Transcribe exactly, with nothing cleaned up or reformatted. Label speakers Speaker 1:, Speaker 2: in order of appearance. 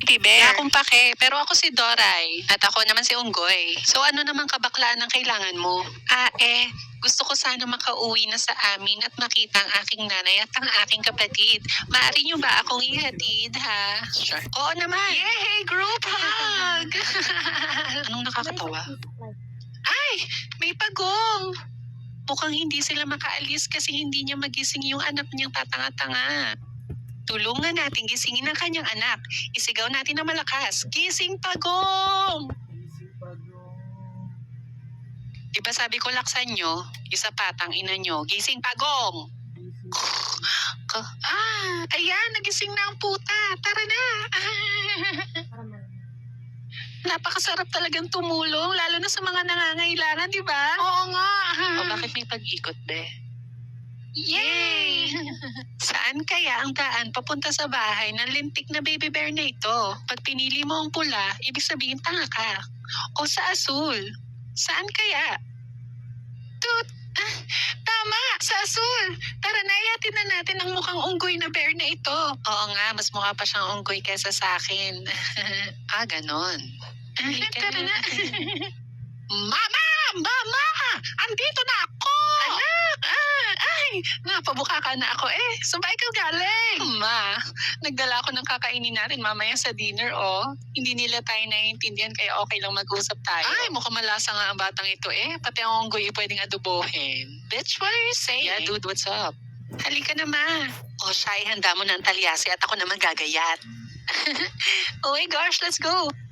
Speaker 1: Teddy bear. Wala akong pake, pero ako si Doray. At ako naman si Unggoy. So ano naman kabaklaan ang kailangan mo? Ah eh, gusto ko sana makauwi na sa amin at makita ang aking nanay at ang aking kapatid. Maaari niyo ba akong ihatid, ha? Sure. Oo naman. Yay! Group hug! Anong nakakatawa? Ay! May pagong! Mukhang hindi sila makaalis kasi hindi niya magising yung anak niyang tatanga-tanga. Tulungan natin gisingin ang kanyang anak. Isigaw natin na malakas. Gising pagong! Diba sabi ko laksan nyo, isa patang ina nyo. Gising pagong! Ah, ayan, nagising na ang puta. Tara na! Napakasarap talagang tumulong, lalo na sa mga nangangailangan, di ba? Oo nga. O bakit may pag-ikot, be? Yay! Saan kaya ang daan papunta sa bahay ng lintik na baby bear na ito? Pag pinili mo ang pula, ibig sabihin tanga ka. O sa asul? Saan kaya? Tut! Ah, tama! Sa asul! Tara na, yatin na natin ang mukhang unggoy na bear na ito. Oo nga, mas mukha pa siyang unggoy kesa sa akin. Ah, ganon. Tara na. Mama! Mama! Andito na ako! Anak! Ah, ay! Napabuka ka na ako eh. Saan ba ikaw galing? Ma, nagdala ako ng kakainin natin mamaya sa dinner, oh. Hindi nila tayo naiintindihan kaya okay lang mag-usap tayo. Ay, mukhang malasa nga ang batang ito eh. Pati ang unggoy pwedeng adobohin. Bitch, what are you saying? Yeah, dude, what's up? Halika na, ma. O, siya, handa mo na ang talyasi at ako naman gagayat. Oh my gosh, let's go.